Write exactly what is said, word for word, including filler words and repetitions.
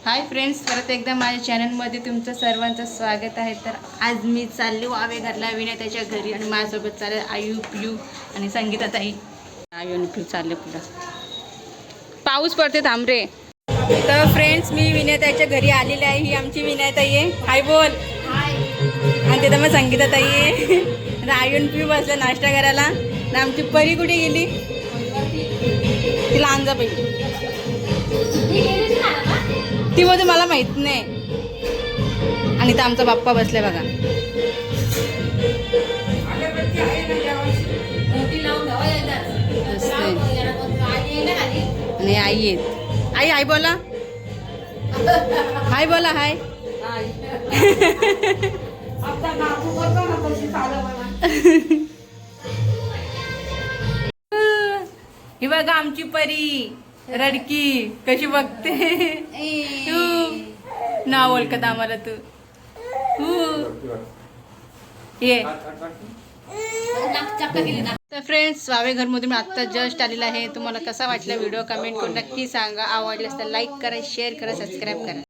Hi friends, परत एकदा माझ्या चॅनलमध्ये तुमचं सर्वांचं स्वागत आहे। तर आज मी चालले वावे घरला विनय त्याच्या घरी आणि माझ्यासोबत चालले आयू पियू आणि संगीता ताई। आयू आणि पियू चालले पुढं, पाऊस पडते थांब रे। तर फ्रेंड्स, मी विनय त्याच्या घरी आलेली आहे। ही आमची विनय ताई आहे, हाय बोल। आणि तिथं मग संगीता ताई आहे। आयू आणि पियू बसले नाश्ता करायला। आणि आमची परी कुठे गेली? तिला आणजा पाहिजे ती मध्ये मला माहित नाही। आणि तर आमचा बाप्पा बसले बघा। आणि आई आहेत। आई हाय बोला, हाय बोला, हाय। ही बघा आमची परी रडकी कशी बघते। तू ना ओळखत आम्हाला तू ये। तर फ्रेंड्स, वावे घरमधून मी आत्ता जस्ट आलेला आहे। तुम्हाला कसा वाटला व्हिडिओ कमेंट करून नक्की सांगा। आवडल्यास तर लाईक करा, शेअर करा, सबस्क्राईब करा।